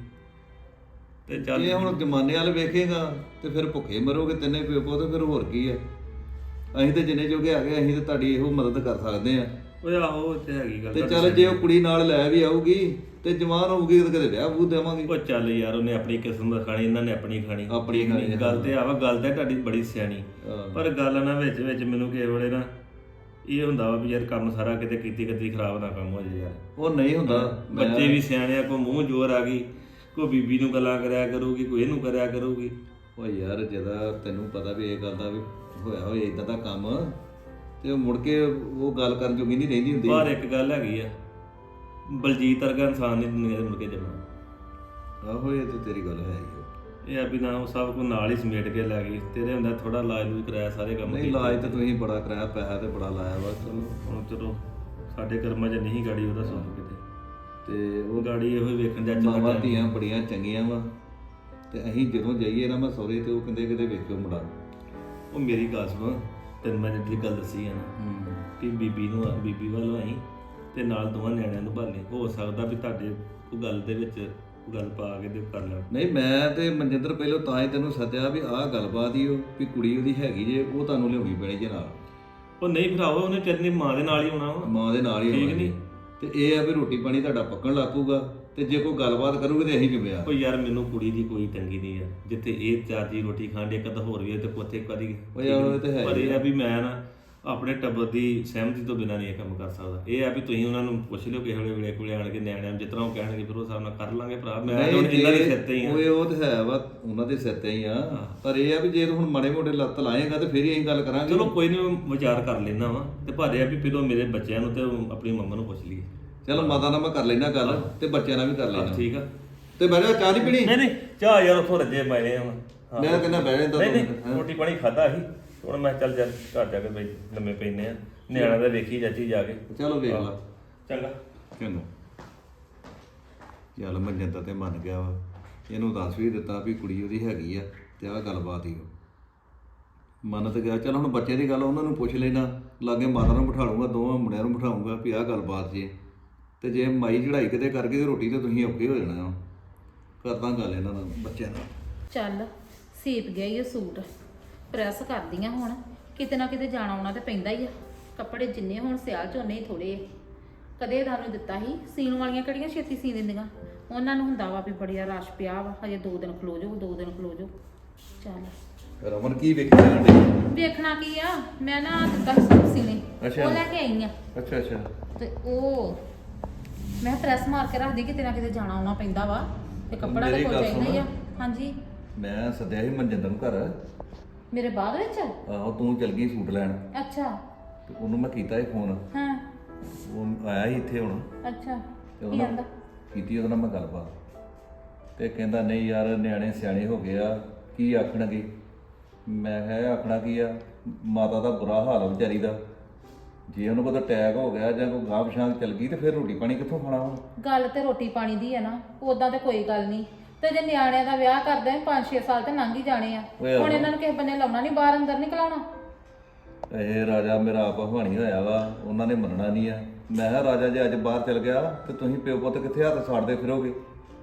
D: ਤੇ ਚੱਲ
C: ਇਹ ਹੁਣ ਜ਼ਮਾਨੇ ਵਾਲ ਵੇਖੇਗਾ ਤੇ ਫਿਰ ਭੁੱਖੇ ਮਰੋਗੇ ਤਿੰਨੇ ਪਿਓ ਪੁੱਤ, ਫਿਰ ਹੋਰ ਕੀ ਆ। ਅਸੀਂ ਤੇ ਜਿੰਨੇ ਜੋਗੇ ਆ ਗਏ ਅਸੀਂ ਤੇ ਤੁਹਾਡੀ ਇਹੋ ਮਦਦ ਕਰ ਸਕਦੇ ਆ।
D: ਓਏ ਆਹੋ ਤੇ ਹੈਗੀ ਗੱਲ
C: ਤੇ
D: ਤੁਹਾਡੀ
C: ਚੱਲ ਜੇ ਉਹ ਕੁੜੀ ਨਾਲ ਲੈ ਵੀ ਆਊਗੀ ਤੇ ਜਵਾਨ ਹੋਊਗੀ ਤੇ ਕਦੇ ਵਿਆਹ ਬੂ ਦੇਵਾਂਗੇ।
D: ਉਹ ਚੱਲ ਯਾਰ ਉਹਨੇ ਆਪਣੀ ਕਿਸਮਤ ਖਾਣੀ, ਇਹਨਾਂ ਨੇ ਆਪਣੀ ਖਾਣੀ,
C: ਆਪਣੀ
D: ਠੀਕ ਨੀ?
C: ਖਾਣੀ,
D: ਗੱਲ ਤੇ ਆਵਾ, ਗੱਲ ਤੇ ਤੁਹਾਡੀ ਬੜੀ ਸਿਆਣੀ,
C: ਹਾਂ।
D: ਪਰ ਗੱਲ ਨਾ ਵਿੱਚ ਵਿੱਚ ਮੈਨੂੰ ਕਿਸੇ ਵੇਲੇ ਨਾ ਇਹ ਹੁੰਦਾ ਵਾ ਵੀ ਯਾਰ ਕੰਮ ਸਾਰਾ ਕਿਤੇ ਕੀਤੀ ਕੀਤੀ ਖਰਾਬ ਨਾ ਕੰਮ ਹੋ ਜਾਏ ਯਾਰ।
C: ਉਹ ਨਹੀਂ ਹੁੰਦਾ। ਮੈਂ-
D: ਬੱਚੇ ਵੀ ਸਿਆਣੇ ਆ, ਕੋਈ ਮੂੰਹ ਜ਼ੋਰ ਆ ਗਈ, ਕੋਈ ਬੀਬੀ ਨੂੰ ਗੱਲਾਂ ਕਰਿਆ ਕਰੂਗੀ, ਕੋਈ ਇਹਨੂੰ ਕਰਿਆ ਕਰੂਗੀ।
C: ਉਹ ਯਾਰ ਜਦੋਂ ਤੈਨੂੰ ਪਤਾ ਵੀ ਇਹ ਗੱਲ ਦਾ ਵੀ ਹੋਇਆ ਹੋਏ ਇਦਾਂ ਦਾ ਕੰਮ ਤੇ ਉਹ ਮੁੜ ਕੇ ਉਹ ਗੱਲ ਕਰਨ ਜੋਗੀ ਨਹੀਂ ਰਹਿੰਦੀ ਹੁੰਦੀ।
D: ਪਰ ਇੱਕ ਗੱਲ ਹੈਗੀ ਆ, ਬਲਜੀਤ ਵਰਗਾ ਇਨਸਾਨ ਨਹੀਂ ਦੁਨੀਆ ਦੇ ਮੁੜ ਕੇ ਜਮਾ।
C: ਆਹੋ ਇਹ ਤੇ ਤੇਰੀ ਗੱਲ ਹੈ ਹੀ ਆ।
D: ਇਹ ਆ ਵੀ ਨਾ ਉਹ ਸਭ ਕੁਝ ਨਾਲ ਹੀ ਸਮੇਟ ਕੇ ਲੈ ਗਈ, ਤੇਰੇ ਹੁੰਦਾ ਥੋੜਾ ਇਲਾਜ ਲੂਜ ਕਰਾਇਆ, ਸਾਰੇ ਕੰਮ
C: ਨਹੀਂ
D: ਕੀਤੇ।
C: ਇਲਾਜ ਤਾਂ ਤੁਸੀਂ ਬੜਾ ਕਰਾਇਆ, ਪੈਸਾ ਤੇ ਬੜਾ ਲਾਇਆ ਵਾ। ਚਲੋ
D: ਹੁਣ ਚਲੋ ਸਾਡੇ ਕਰਮਾਂ 'ਚ ਨਹੀਂ ਗਾੜੀ ਉਹਦਾ ਸੁੱਖ ਕਿਤੇ,
C: ਤੇ ਉਹ
D: ਗਾੜੀ ਇਹੋ ਹੀ ਵੇਖਣ ਜਾ
C: ਮਾਵਾਂ ਧੀਆਂ ਬੜੀਆਂ ਚੰਗੀਆਂ ਵਾ, ਤੇ ਅਸੀਂ ਜਦੋਂ ਜਾਈਏ ਨਾ ਮੈਂ ਸਹੁਰੇ ਤੇ ਉਹ ਕਹਿੰਦੇ ਕਿਤੇ ਵੇਖਿਓ ਮੁੰਡਾ।
D: ਉਹ ਮੇਰੀ ਗੱਲ ਸੁਣ, ਤੈਨੂੰ ਮੈਂ ਜਿਹੜੀ ਗੱਲ ਦੱਸੀ ਆ ਨਾ ਕਿ ਬੀਬੀ ਨੂੰ ਬੀਬੀ ਵੱਲੋਂ ਆਈ ਤੇ ਨਾਲ ਦੋਵਾਂ ਨਿਆਣਿਆਂ ਨੂੰ ਭਾਲੇ, ਹੋ ਸਕਦਾ ਵੀ ਤੁਹਾਡੇ ਉਹ ਗੱਲ ਦੇ ਵਿੱਚ ਗੱਲ ਪਾ ਕੇ ਤੇ ਕਰ ਲੈਣ।
C: ਨਹੀਂ ਮੈਂ ਤੇ ਮਨਜਿੰਦਰ ਪਹਿਲਾਂ ਤਾਂ ਹੀ ਤੈਨੂੰ ਸੱਦਿਆ ਵੀ ਆਹ ਗੱਲਬਾਤ ਹੀ ਉਹ ਵੀ ਕੁੜੀ ਉਹਦੀ ਹੈਗੀ ਜੇ, ਉਹ ਤੁਹਾਨੂੰ ਲਿਆਉਣੀ ਪੈਣੀ ਜੇ ਨਾਲ।
D: ਉਹ ਨਹੀਂ ਭਰਾਵਾ, ਉਹਨੇ ਚੰਨੀ ਮਾਂ ਦੇ ਨਾਲ ਹੀ ਆਉਣਾ ਵਾ।
C: ਮਾਂ ਦੇ ਨਾਲ ਹੀ
D: ਠੀਕ
C: ਹੋਣਾ
D: ਨੀ?
C: ਤੇ ਇਹ ਆ ਵੀ ਰੋਟੀ ਪਾਣੀ ਤੁਹਾਡਾ ਪੱਕਣ ਲੱਗ ਪਊਗਾ, ਤੇ ਜੇ ਕੋਈ ਗੱਲਬਾਤ ਕਰੂਗੇ ਤੇ ਅਸੀਂ ਜ਼ਿੰਮੇਵਾਰ।
D: ਉਹ ਯਾਰ ਮੈਨੂੰ ਕੁੜੀ ਦੀ ਕੋਈ ਤੰਗੀ ਨਹੀਂ ਆ, ਜਿੱਥੇ ਇਹ ਚਾਰ ਜੀ ਰੋਟੀ ਖਾਂਦੇ ਇੱਕ ਤਾਂ ਹੋਰ ਵੀ ਹੈ ਤੇ ਕੋਥੇ ਕਦੀ।
C: ਉਹ ਯਾਰ ਉਹ ਤੇ ਹੈ
D: ਪਰ
C: ਹੀ
D: ਇਹ
C: ਆ।
D: ਆ ਵੀ ਮੈਂ ਨਾ ਆਪਣੇ ਟੱਬਰ ਦੀ ਸਹਿਮਤੀ ਤੋਂ ਬਿਨਾਂ ਨਹੀਂ ਇਹ ਕੰਮ ਕਰ ਸਕਦਾ। ਇਹ ਆ ਵੀ ਤੁਸੀਂ ਉਹਨਾਂ ਨੂੰ ਪੁੱਛ ਲਿਓ ਕਿਸੇ ਵੇਲੇ ਵੇਲੇ ਕੋਲੇ ਆਣ ਕੇ ਨਿਆਣਿਆਂ ਨੂੰ, ਜਿਸ ਤਰ੍ਹਾਂ ਉਹ ਕਹਿਣਗੇ ਫਿਰ ਉਹ ਹਿਸਾਬ ਨਾਲ ਕਰ ਲਾਂਗੇ ਭਰਾ। ਮੈਂ ਹੁਣ ਇਹਨਾਂ ਦੇ ਸਿਰ ਤੇ ਹੀ ਆ।
C: ਉਹ ਉਹ ਤੇ ਹੈ ਵਾ, ਉਹਨਾਂ ਦੇ ਸਿਰ ਤੇ ਹੀ ਆ। ਪਰ ਇਹ ਆ ਵੀ ਜੇ ਤੂੰ ਹੁਣ ਮਾੜੇ ਮੋਟੇ ਲੱਤ ਲਾਏਗਾ ਤੇ ਫਿਰ ਹੀ ਅਸੀਂ ਗੱਲ ਕਰਾਂਗੇ।
D: ਚਲੋ ਕੋਈ ਨਹੀਂ, ਵਿਚਾਰ ਕਰ ਲੈਣਾ ਵਾ, ਤੇ ਪਰ ਇਹ ਆ ਵੀ ਪਹਿਲਾਂ ਮੇਰੇ ਬੱਚਿਆਂ ਨੂੰ ਤੇ ਆਪਣੀ ਮੰਮਾ ਨੂੰ ਪੁੱਛ ਲਈਏ।
C: ਚਲੋ ਮਾਤਾ ਨਾਲ ਮੈਂ ਕਰ ਲੈਣਾ ਗੱਲ ਤੇ ਬੱਚਿਆਂ ਨਾਲ ਵੀ ਕਰ ਲੈਣਾ।
D: ਠੀਕ ਆ।
C: ਤੇ ਬਹਿ ਜਾ, ਚਾਹ ਨਹੀਂ ਪੀਣੀ?
D: ਨਹੀਂ ਨਹੀਂ, ਚਾਹ ਯਾਰ ਉੱਥੋਂ ਰੱਜੇ ਪਾਏ ਆ।
C: ਮੈਂ ਕਹਿੰਦਾ ਬਹਿ ਜਾਂਦਾ
D: ਨਹੀਂ ਨਹੀਂ, ਰੋਟੀ ਪਾਣੀ ਖਾਦਾ ਸੀ, ਹੁਣ ਮੈਂ ਚੱਲ ਜਾ ਘਰ ਜਾ ਕੇ ਬਈ ਲੰਮੇ ਪੈਨੇ ਆ, ਨਿਆਣਾ ਦਾ ਵੇਖੀ ਚਾਚੀ ਜਾ ਕੇ।
C: ਚਲੋ ਵੇਖ ਲਾ।
D: ਚੰਗਾ
C: ਚੰਗਾ। ਚੱਲ ਮਨਜਿੰਦਰ ਤੇ ਮੰਨ ਗਿਆ ਵਾ, ਇਹਨੂੰ ਦੱਸ ਵੀ ਦਿੱਤਾ ਵੀ ਕੁੜੀ ਉਹਦੀ ਹੈਗੀ ਆ ਤੇ ਆਹ ਗੱਲਬਾਤ ਹੀ ਮੰਨ ਤੇ ਗਿਆ। ਚੱਲ ਹੁਣ ਬੱਚੇ ਦੀ ਗੱਲ ਉਹਨਾਂ ਨੂੰ ਪੁੱਛ ਲੈਣਾ, ਲਾਗੇ ਮਾਤਾ ਨੂੰ ਬਿਠਾ ਲੂੰਗਾ, ਦੋਵਾਂ ਮੁੰਡਿਆਂ ਨੂੰ ਬਿਠਾਉਂਗਾ ਵੀ ਆਹ ਗੱਲਬਾਤ ਜੇ, ਤੇ ਜੇ ਮਾਈ ਚੜਾਈ ਕਿਤੇ ਕਰ ਗਈ ਤੇ ਰੋਟੀ ਤੇ ਤੁਸੀਂ ਔਖੇ ਹੋ ਜਾਣਾ ਵਾ। ਕਰਦਾ ਗੱਲ ਇਹਨਾਂ ਨਾਲ ਬੱਚਿਆਂ ਨਾਲ।
E: ਚੱਲ ਸੀਪ ਗਿਆ ਹੀ ਉਹ ਸੂਟ, ਪ੍ਰੈਸ ਕਰਦੀਆਂ ਹੁਣ, ਕਿਤੇ ਨਾ ਕਿਤੇ ਜਾਣਾ ਆਉਣਾ ਤੇ ਪੈਂਦਾ ਹੀ ਆ। ਕੱਪੜੇ ਜਿੰਨੇ ਹੁਣ ਸਿਆਲ ਚ ਉਨੇ ਹੀ ਥੋੜੇ ਆ। ਕਦੇ ਤੁਹਾਨੂੰ ਦਿੱਤਾ ਸੀ, ਸੀਣ ਵਾਲੀਆਂ ਕਿਹੜੀਆਂ ਛੇਤੀ ਸੀ ਦਿੰਦੀਆਂ, ਉਹਨਾਂ ਨੂੰ ਹੁੰਦਾ ਵਾ ਵੀ ਬੜੀਆ ਰਸ਼ ਪਿਆ ਵਾ, ਹਜੇ ਦੋ ਦਿਨ ਖਲੋ ਜਾਓ, ਦੋ ਦਿਨ ਖਲੋ ਜਾਓ। ਚੱਲ
C: ਰਮਨ ਕੀ ਵੇਖੀ ਜਾਣ ਡਈ?
E: ਵੇਖਣਾ ਕੀ ਆ, ਮੈਂ ਨਾ ਦਿੱਤਾ ਸੀ ਸੂਟ ਸੀਨੇ,
C: ਅੱਛਾ।
E: ਉਹ ਲੈ ਕੇ ਆਈ ਆ
C: ਅੱਛਾ ਅੱਛਾ
E: ਤੇ ਉਹ ਮੈਂ ਪ੍ਰੈਸ ਮਾਰ ਕੇ ਰੱਖਦੀ, ਕਿਤੇ ਨਾ ਕਿਤੇ ਜਾਣਾ ਆਉਣਾ ਪੈਂਦਾ ਵਾ ਤੇ ਕੱਪੜਾ
C: ਮੇਰੀ
E: ਤੇ ਕੋਈ
C: ਗੱਲ
E: ਚਾਹੀਦਾ ਹੀ ਆ।
C: ਸੁਣ।
E: ਹਾਂਜੀ।
C: ਮੈਂ ਸੱਦਿਆ ਸੀ ਮਨਜਿੰਦਰ ਨੂੰ ਘਰ।
E: ਮੇਰੇ ਬਾਅਦ ਵਿੱਚ?
C: ਆਹੋ ਤੂੰ ਚਲ ਗਈ ਸੂਟ ਲੈਣ
E: ਅੱਛਾ।
C: ਤੇ ਉਹਨੂੰ ਮੈਂ ਕੀਤਾ ਸੀ ਫੋਨ।
E: ਹਾਂ।
C: ਉਹ ਆਇਆ ਸੀ ਇੱਥੇ ਹੁਣ
E: ਅੱਛਾ।
C: ਤੇ
E: ਕੀ
C: ਉਹਨਾਂ
E: ਕਹਿੰਦਾ?
C: ਕੀਤੀ ਉਹਦੇ ਨਾਲ ਮੈਂ ਗੱਲਬਾਤ ਤੇ ਕਹਿੰਦਾ ਨਹੀਂ ਯਾਰ ਨਿਆਣੇ ਸਿਆਣੇ ਹੋ ਗਏ ਆ, ਕੀ ਆਖਣਗੇ। ਮੈਂ ਕਿਹਾ ਆਖਣਾ ਕੀ ਆ, ਮਾਤਾ ਦਾ ਬੁਰਾ ਹਾਲ ਆ ਵਿਚਾਰੀ ਦਾ, ਜੇ ਉਹਨੂੰ ਕੋਈ ਅਟੈਕ ਹੋ ਗਿਆ ਜਾਂ ਕੋਈ ਗਾਂਹ ਪਛਾਂ ਚੱਲ ਗਈ ਤੇ ਫਿਰ ਰੋਟੀ ਪਾਣੀ ਕਿੱਥੋਂ ਖਾਣਾ ਹੁਣ।
E: ਗੱਲ ਤੇ ਰੋਟੀ ਪਾਣੀ ਦੀ ਆ ਨਾ, ਉਦਾਂ ਤੇ ਕੋਈ ਗੱਲ ਨਹੀਂ, ਤੇ ਜੇ ਨਿਆਣਿਆਂ ਦਾ ਵਿਆਹ ਕਰਦੇ ਪੰਜ ਛੇ ਸਾਲ ਤੇ ਲੰਘ ਹੀ ਜਾਣੇ ਆ,
C: ਓਏ ਆਹੋ।
E: ਹੁਣ ਇਹਨਾਂ ਨੂੰ ਕਿਸੇ ਬੰਨੇ ਲਾਉਣਾ ਨਹੀਂ, ਬਾਹਰ ਅੰਦਰ ਨਹੀਂ ਘਲਾਉਣਾ।
C: ਇਹ ਰਾਜਾ ਮੇਰਾ ਆਪ ਹਵਾਣੀ ਹੋਇਆ ਵਾ, ਉਹਨਾਂ ਨੇ ਮੰਨਣਾ ਨਹੀਂ ਆ। ਮੈਂ ਕਿਹਾ ਰਾਜਾ ਜੇ ਅੱਜ ਬਾਹਰ ਚਲ ਗਿਆ ਤੇ ਤੁਸੀਂ ਪਿਓ ਪੁੱਤ ਕਿੱਥੇ ਹੱਥ ਸਾੜਦੇ ਫਿਰੋਗੇ।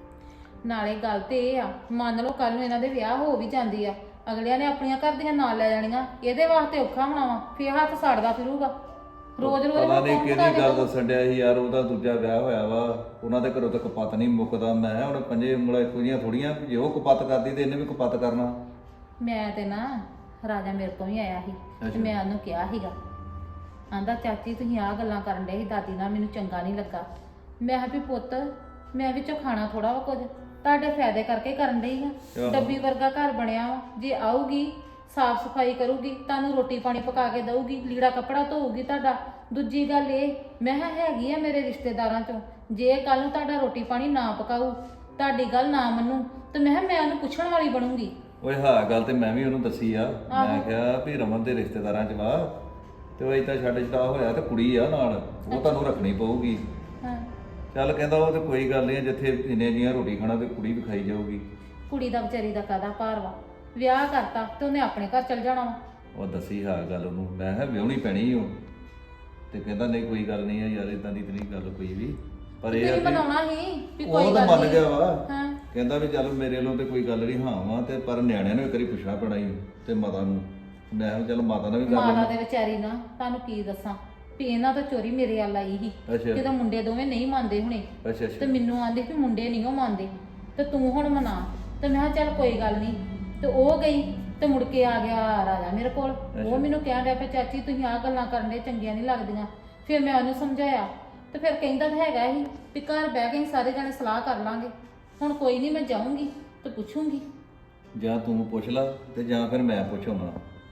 E: ਨਾਲੇ ਗੱਲ ਤੇ ਇਹ ਆ, ਮੰਨ ਲਓ ਕੱਲ ਨੂੰ ਇਹਨਾਂ ਦੇ ਵਿਆਹ ਹੋ ਵੀ ਜਾਂਦੀ ਆ, ਅਗਲਿਆਂ ਨੇ ਆਪਣੀਆਂ ਘਰ ਦੀਆਂ ਨਾਲ ਲੈ ਜਾਣੀਆਂ, ਇਹਦੇ ਵਾਸਤੇ ਔਖਾ ਹੋਣਾ ਵਾ, ਫੇਰ ਹੱਥ ਸਾੜਦਾ ਫਿਰੂਗਾ ਰੋਜ਼ ਰੋਜ਼।
C: ਪਤਾ ਨਹੀਂ ਕਿਹਦੀ ਗੱਲ ਦੱਸਣ ਡਿਆ ਸੀ ਯਾਰ, ਉਹਦਾ ਦੂਜਾ ਵਿਆਹ ਹੋਇਆ ਵਾ, ਉਹਨਾਂ ਦੇ ਘਰੋਂ ਤਾਂ ਕਪੱਤ ਨਹੀਂ ਮੁੱਕਦਾ। ਮੈਂ ਕਿਹਾ ਹੁਣ ਪੰਜੇ ਉਂਗਲਾਂ ਇੱਕੋ ਜਿਹੀਆਂ ਥੋੜੀਆਂ, ਜੇ ਉਹ ਕਪੱਤ ਕਰਦੀ ਤੇ ਇਹਨੇ ਵੀ ਕਪੱਤ ਕਰਨਾ।
E: ਮੈਂ ਤੇ ਨਾ ਰਾਜਾ ਮੇਰੇ ਕੋਲ ਵੀ ਆਇਆ ਸੀ ਤੇ ਮੈਂ ਉਹਨੂੰ ਕਿਹਾ ਸੀਗਾ, ਆਂਦਾ ਚਾਚੀ ਤੁਸੀਂ ਆਹ ਗੱਲਾਂ ਕਰਨ ਡਏ ਸੀ ਦਾਦੀ ਨਾਲ, ਮੈਨੂੰ ਚੰਗਾ ਨਹੀਂ ਲੱਗਾ। ਮੈਂ ਕਿਹਾ ਵੀ ਪੁੱਤ ਮੈਂ ਵਿੱਚੋਂ ਖਾਣਾ ਥੋੜਾ ਵਾ ਕੁਝ, ਤੁਹਾਡੇ ਫਾਇਦੇ ਕਰਕੇ ਕਰਨ ਡਈ ਆ। ਡੱਬੀ ਵਰਗਾ ਘਰ ਬਣਿਆ ਵਾ, ਜੇ ਆਊਗੀ ਸਾਫ ਸਫਾਈ ਕਰੂਗੀ, ਤੁਹਾਨੂੰ ਰੋਟੀ ਪਾਣੀ ਪਕਾ ਕੇ ਦਊਗੀ, ਲੀੜਾ ਕੱਪੜਾ ਧੋਊਗੀ ਤੁਹਾਡਾ। ਦੂਜੀ ਗੱਲ ਇਹ, ਮੈਂ ਕਿਹਾ ਹੈਗੀ ਆ ਮੇਰੇ ਰਿਸ਼ਤੇਦਾਰਾਂ ਚੋਂ, ਜੇ ਕੱਲ ਨੂੰ ਤੁਹਾਡਾ ਰੋਟੀ ਪਾਣੀ ਨਾ ਪਕਾਊ, ਤੁਹਾਡੀ ਗੱਲ ਨਾ ਮੰਨੂ, ਤੇ ਮੈਂ ਕਿਹਾ ਮੈਂ ਉਹਨੂੰ ਪੁੱਛਣ ਵਾਲੀ ਬਣੂੰਗੀ।
C: ਓਏ ਹਾਂ ਗੱਲ ਤੇ ਮੈਂ ਵੀ ਉਹਨੂੰ ਦੱਸੀ ਆ। ਮੈਂ ਕਿਹਾ ਵੀ ਰਮਨ ਦੇ ਰਿਸ਼ਤੇਦਾਰਾਂ ਚ ਵਾ ਤੇ ਉਹ ਏਦਾਂ ਛੱਡ ਛਡਾ ਹੋਇਆ ਤੇ ਕੁੜੀ ਆ ਨਾਲ, ਉਹ ਤੁਹਾਨੂੰ ਰੱਖਣੀ ਪਊਗੀ।
E: ਹਾਂ।
C: ਚੱਲ ਕਹਿੰਦਾ ਉਹ ਤੇ ਕੋਈ ਗੱਲ ਨਹੀਂ, ਜਿੱਥੇ ਇੰਨੇ ਜੀਆਂ ਰੋਟੀ ਖਾਣਾ ਤੇ ਕੁੜੀ ਵੀ ਖਾਈ ਜਾਊਗੀ।
E: ਕੁੜੀ ਦਾ ਵਿਚਾਰੀ ਦਾ ਕਾਹਦਾ ਭਾਰ ਵਾ, ਵਿਆਹ ਕਰਤਾ ਤੇ ਉਹਨੇ ਆਪਣੇ ਘਰ ਚਲ ਜਾਣਾ ਵਾ।
C: ਉਹ ਦੱਸੀ ਹਾਂ ਗੱਲ ਉਹਨੂੰ, ਮੈਂ ਕਿਹਾ ਵਿਆਹਣੀ ਪੈਣੀ ਉਹ, ਤੇ ਕਹਿੰਦਾ ਨਹੀਂ ਕੋਈ ਗੱਲ ਨਹੀਂ ਆ ਯਾਰ, ਇਦਾਂ ਦੀ ਤੇ ਨਹੀਂ ਗੱਲ ਕੋਈ ਵੀ, ਪਰ ਇਹ ਆ
E: ਤੁਸੀਂ
C: ਕਿ
E: ਬਣਾਉਣਾ ਸੀ ਵੀ ਕੋਈ
C: ਉਹ
E: ਗੱਲ
C: ਤਾਂ ਮੰਨ
E: ਨਹੀਂ।
C: ਗਿਆ ਵਾ।
E: ਹਾਂ।
C: ਕਹਿੰਦਾ ਵੀ ਚੱਲ ਮੇਰੇ ਵੱਲੋਂ ਤੇ ਕੋਈ ਗੱਲ ਨਹੀਂ ਹਾਂ ਵਾ, ਤੇ ਪਰ ਨਿਆਣਿਆਂ ਨੂੰ ਇੱਕ ਵਾਰੀ ਪੁੱਛਣਾ ਪੈਣਾ ਹੀ ਤੇ ਮਾਤਾ ਨੂੰ। ਮੈਂ ਕਿਹਾ ਚੱਲ ਮਾਤਾ ਨਾਲ ਵੀ ਕਰ
E: ਮਾਤਾ
C: ਲੈਂਦੇ।
E: ਦੇ ਵਿਚਾਰੀ ਨਾ ਤੁਹਾਨੂੰ ਕੀ ਦੱਸਾਂ ਵੀ ਇਹਨਾਂ ਤੋਂ ਚੋਰੀ ਮੇਰੇ ਵੱਲ ਆਈ ਸੀ,
C: ਅੱਛਾ
E: ਕਿਤੇ ਮੁੰਡੇ ਦੋਵੇਂ ਨਹੀਂ ਮੰਨਦੇ ਹੁਣੇ,
C: ਅੱਛਾ
E: ਤੇ
C: ਅੱਛਾ
E: ਮੈਨੂੰ ਆਂਦੇ ਵੀ ਮੁੰਡੇ ਨਹੀਂ ਉਹ ਮੰਨਦੇ ਤੇ ਤੂੰ ਹੁਣ ਮਨਾ, ਤੇ ਮੈਂ ਕਿਹਾ ਚੱਲ ਕੋਈ ਗੱਲ ਨਹੀਂ। ਤੇ ਉਹ ਗਈ ਤੇ ਮੁੜ ਕੇ ਆ ਗਿਆ ਰਾਜਾ ਮੇਰੇ ਕੋਲ, ਉਹ ਮੈਨੂੰ ਕਹਿਣ ਡਿਆ ਪਿਆ ਚਾਚੀ ਤੁਸੀਂ ਆਹ ਗੱਲਾਂ ਕਰਨ ਦੇ ਚੰਗੀਆਂ ਨਹੀਂ ਲੱਗਦੀਆਂ। ਫਿਰ ਮੈਂ ਉਹਨੂੰ ਸਮਝਾਇਆ ਤੇ ਫਿਰ ਕਹਿੰਦਾ ਤਾਂ ਹੈਗਾ ਹੀ ਵੀ ਘਰ ਬਹਿ ਕੇ ਸਾਰੇ ਜਾਣੇ ਸਲਾਹ ਕਰ ਲਾਂਗੇ। ਹੁਣ ਕੋਈ ਨਹੀਂ, ਮੈਂ ਜਾਊਂਗੀ ਤੇ ਪੁੱਛੂੰਗੀ।
C: ਜਾਂ ਤੂੰ ਪੁੱਛ ਲਾ ਤੇ ਜਾਂ ਫਿਰ ਮੈਂ ਪੁੱਛਾਉਣਾ।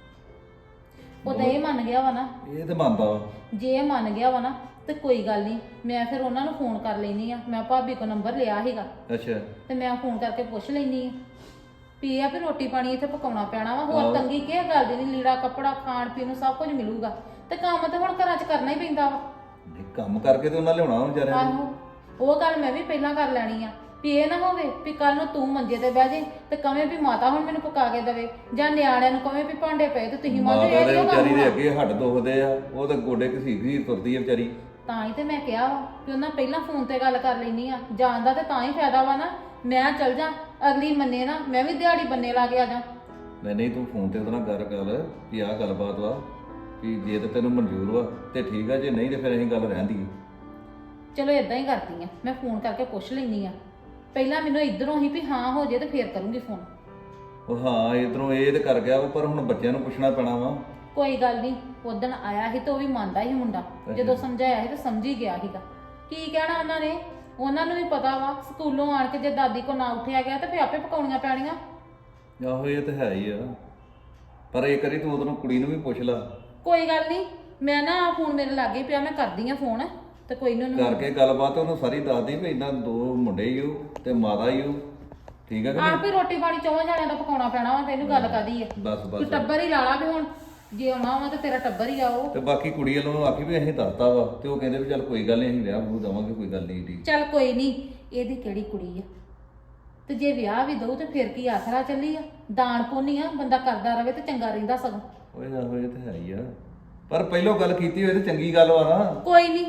E: ਉਹ ਤਾਂ ਇਹ ਮੰਨ ਗਿਆ ਵਾ ਨਾ,
C: ਇਹ ਤੇ ਮੰਨਦਾ ਵਾ।
E: ਜੇ ਇਹ ਮੰਨ ਗਿਆ ਵਾ ਨਾ ਤੇ ਕੋਈ ਗੱਲ ਨਹੀਂ, ਮੈਂ ਫਿਰ ਉਹਨਾਂ ਨੂੰ ਫੋਨ ਕਰ ਲੈਣੀ ਆ। ਮੈਂ ਭਾਬੀ ਕੋ ਨੰਬਰ ਲਿਆ ਸੀਗਾ
C: ਅੱਛਾ
E: ਤੇ ਮੈਂ ਫੋਨ ਕਰਕੇ ਪੁੱਛ ਲੈਣੀ ਆ ਵੀ ਇਹ ਆ ਵੀ ਰੋਟੀ ਪਾਣੀ ਇੱਥੇ ਪਕਾਉਣਾ ਪੈਣਾ ਵਾ, ਹੋਰ
C: ਆਹੋ।
E: ਤੰਗੀ ਕਿਹ ਗੱਲ ਦੀ ਨਹੀਂ, ਲੀੜਾ ਕੱਪੜਾ ਖਾਣ ਪੀਣ ਨੂੰ ਸਭ ਕੁਝ ਮਿਲੂਗਾ, ਤੇ ਕੰਮ ਤੇ ਹੁਣ ਘਰਾਂ 'ਚ ਕਰਨਾ ਹੀ ਪੈਂਦਾ ਵਾ।
C: ਨਹੀਂ ਕੰਮ ਕਰਕੇ ਤੇ ਉਹਨਾਂ ਲਿਆਉਣਾ ਵਿਚਾਰਿਆਂ ਨੂੰ।
E: ਆਹੋ, ਉਹ ਗੱਲ ਮੈਂ ਵੀ ਪਹਿਲਾਂ ਕਰ ਲੈਣੀ ਆ ਵੀ ਇਹ ਨਾ ਹੋਵੇ ਵੀ ਕੱਲ ਨੂੰ ਤੂੰ ਮੰਜੇ ਤੇ ਬਹਿ ਜੇ ਤੇ ਕਵੇਂ ਵੀ ਮਾਤਾ ਹੁਣ ਮੈਨੂੰ ਪਕਾ ਕੇ ਦੇਵੇ, ਜਾਂ ਨਿਆਣਿਆਂ ਨੂੰ ਕਵੇਂ ਵੀ ਭਾਂਡੇ ਪਏ ਤੇ ਤੁਸੀਂ ਮਾਤਾ
C: ਮਾਤਾ
E: ਇਹ
C: ਦੇ
E: ਕਿਉਂ
C: ਵਿਚਾਰੀ ਦੇ
E: ਕੰਮ
C: ਅੱਗੇ ਹੱਡ ਦੁਖਦੇ ਆ, ਉਹ ਤਾਂ ਗੋਡੇ ਘਸੀਟ ਘਸੀਟ ਤੁਰਦੀ ਆ ਵਿਚਾਰੀ।
E: ਤਾਂ ਹੀ ਤੇ ਮੈਂ ਕਿਹਾ ਵਾ ਕਿ ਉਹਨਾਂ ਪਹਿਲਾਂ ਫੋਨ ਤੇ ਗੱਲ ਕਰ ਲੈਣੀ ਆ, ਜਾਣ ਦਾ ਤੇ ਤਾਂ ਹੀ ਫਾਇਦਾ ਵਾ ਨਾ, ਮੈਂ ਚੱਲ ਜਾ ਅਗਲੀ ਮੰਨੇ ਨਾ, ਮੈਂ ਵੀ ਦਿਹਾੜੀ ਬੰਨੇ ਲਾ ਕੇ ਆ ਜਾ।
C: ਨਹੀਂ ਨਹੀਂ ਤੂੰ ਫੋਨ ਤੇ ਉਹਦੇ ਨਾਲ ਗੱਲ ਕਰ ਵੀ ਆਹ ਗੱਲਬਾਤ ਵਾ, ਵੀ ਜੇ ਤੇ ਤੈਨੂੰ ਮਨਜ਼ੂਰ ਵਾ ਤੇ ਠੀਕ ਆ, ਜੇ ਨਹੀਂ ਤੇ ਫਿਰ ਅਸੀਂ ਗੱਲ ਰਹਿੰਦੀ ਆ।
E: ਚਲੋ ਇਦਾਂ ਹੀ ਕਰਦੀ ਆ, ਮੈਂ ਫੋਨ ਕਰਕੇ ਪੁੱਛ ਲੈਣੀ ਆ। ਪਹਿਲਾਂ ਮੈਨੂੰ ਇਧਰੋਂ ਹੀ ਵੀ ਹਾਂ ਹੋ ਜੇ ਤੇ ਫੇਰ ਕਰੂੰਗੀ ਫੋਨ।
C: ਉਹ ਹਾਂ ਇਧਰੋਂ ਇਹ ਤੇ ਕਰ ਗਿਆ ਵਾ, ਪਰ ਹੁਣ ਬੱਚਿਆਂ ਨੂੰ ਪੁੱਛਣਾ ਪੈਣਾ ਵਾ।
E: ਕੋਈ ਗੱਲ ਨਹੀਂ, ਉਦਣ ਆਇਆ ਸੀ ਤੇ ਉਹ ਵੀ ਮੰਨਦਾ ਸੀ ਮੁੰਡਾ, ਜਦੋਂ ਸਮਝਾਇਆ ਸੀ ਤੇ ਸਮਝ ਹੀ ਗਿਆ ਸੀਗਾ। ਕੀ ਕਹਿਣਾ ਉਹਨਾਂ ਨੇ, ਉਹਨਾਂ ਨੂੰ ਵੀ ਪਤਾ ਵਾ ਸਕੂਲੋਂ ਆਣ ਕੇ ਜੇ ਦਾਦੀ ਕੋ ਨਾ ਉੱਠਿਆ ਗਿਆ ਤੇ ਫੇਰ ਆਪੇ ਪਕਾਉਣੀਆਂ ਪੈਣੀਆਂ।
C: ਆਹੋ ਇਹ ਤਾਂ ਹੈ ਹੀ ਆ, ਪਰ ਇਹ ਕਰੀ ਤੂੰ ਉਹਨੂੰ ਕੁੜੀ ਨੂੰ ਵੀ ਪੁੱਛ ਲਾ।
E: ਕੋਈ ਗੱਲ ਨਹੀਂ, ਮੈਂ ਨਾ ਫੋਨ ਮੇਰੇ ਲਾਗੇ ਪਿਆ, ਮੈਂ ਕਰਦੀ ਆ ਫੋਨ ਤੇ ਕੋਈ ਨਾ ਉਹਨੂੰ
C: ਕਰਕੇ ਗੱਲਬਾਤ ਉਹਨੂੰ ਸਾਰੀ ਦੱਸਦੀ ਵੀ ਇਦਾਂ ਦੋ ਮੁੰਡੇ ਹੀ ਹੋ ਤੇ ਮਾਤਾ ਹੀ ਹੋ, ਠੀਕ ਆ ਕਿ
E: ਆਪ ਹੀ ਰੋਟੀ ਪਾਣੀ ਚੌਵਾਂ ਜਾਣਿਆਂ ਦਾ ਪਕਾਉਣਾ ਪੈਣਾ ਵਾ, ਤੈਨੂੰ ਗੱਲ ਕਾਦੀ ਆ।
C: ਬਸ
E: ਤੂੰ
C: ਬਸ।
E: ਟੱਬਰ ਹੀ ਲਾ ਲਾ ਵੀ ਹੁਣ ਜੇ ਆਉਣਾ ਵਾ ਤੇ ਤੇਰਾ ਟੱਬਰ ਹੀ ਆਓ।
C: ਤੇ ਬਾਕੀ ਕੁੜੀ ਵੱਲੋਂ ਆਖੀ ਵੀ ਅਸੀਂ ਦੱਸਤਾ ਵਾ, ਤੇ ਉਹ ਕਹਿੰਦੇ ਵੀ ਚੱਲ ਕੋਈ ਗੱਲ ਨਹੀਂ ਅਸੀਂ ਵਿਆਹ ਬੂ ਦੇਵਾਂਗੇ, ਕੋਈ ਗੱਲ ਨਹੀਂ ਢੀ।
E: ਚੱਲ ਕੋਈ ਨਹੀਂ, ਇਹਦੀ ਕਿਹੜੀ ਕੁੜੀ ਆ, ਤੇ ਜੇ ਵਿਆਹ ਵੀ ਦਊ ਤੇ ਫਿਰ ਕੀ ਆਸਰਾ ਚੱਲੀ ਆ, ਦਾਨ ਪੁੰਨ ਆ, ਬੰਦਾ ਕਰਦਾ ਰਵੇ ਤੇ ਚੰਗਾ ਰਹਿੰਦਾ ਸਗੋਂ।
C: ਓਏ ਆਹੋ ਇਹ ਤਾਂ ਹੈ ਹੀ ਆ, ਪਰ ਪਹਿਲੋਂ ਗੱਲ ਕੀਤੀ ਹੋਏ ਤੇ ਚੰਗੀ ਗੱਲ ਵਾ ਨਾ।
E: ਕੋਈ ਨਹੀਂ,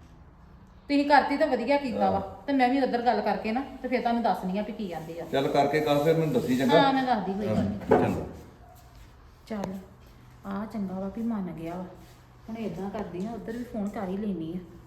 E: ਤੁਸੀਂ ਕਰਤੀ ਤਾਂ ਵਧੀਆ ਕੀਤਾ ਵਾ, ਤੇ ਮੈਂ ਵੀ ਉਧਰ ਗੱਲ ਕਰਕੇ ਨਾ ਤੇ ਫਿਰ ਤੁਹਾਨੂੰ ਦੱਸਣੀ ਆ ਵੀ ਕੀ ਆਂਦੇ ਆ।
C: ਚੱਲ ਕਰਕੇ ਕਾ ਫਿਰ ਮੈਨੂੰ ਦੱਸੀ ਚੰਗਾ।
E: ਹਾਂ ਮੈਂ ਦੱਸਦੀ ਕੋਈ ਗੱਲ ਨੀ।
C: ਚੰਗਾ।
E: ਚੱਲ ਆ ਚੰਗਾ ਵਾ ਵੀ ਮੰਨ ਗਿਆ ਵਾ, ਹੁਣ ਇਦਾਂ ਕਰਦੀ ਆ, ਉਧਰ ਵੀ ਫੋਨ ਕਰ ਹੀ ਲੈਣੀ ਆ।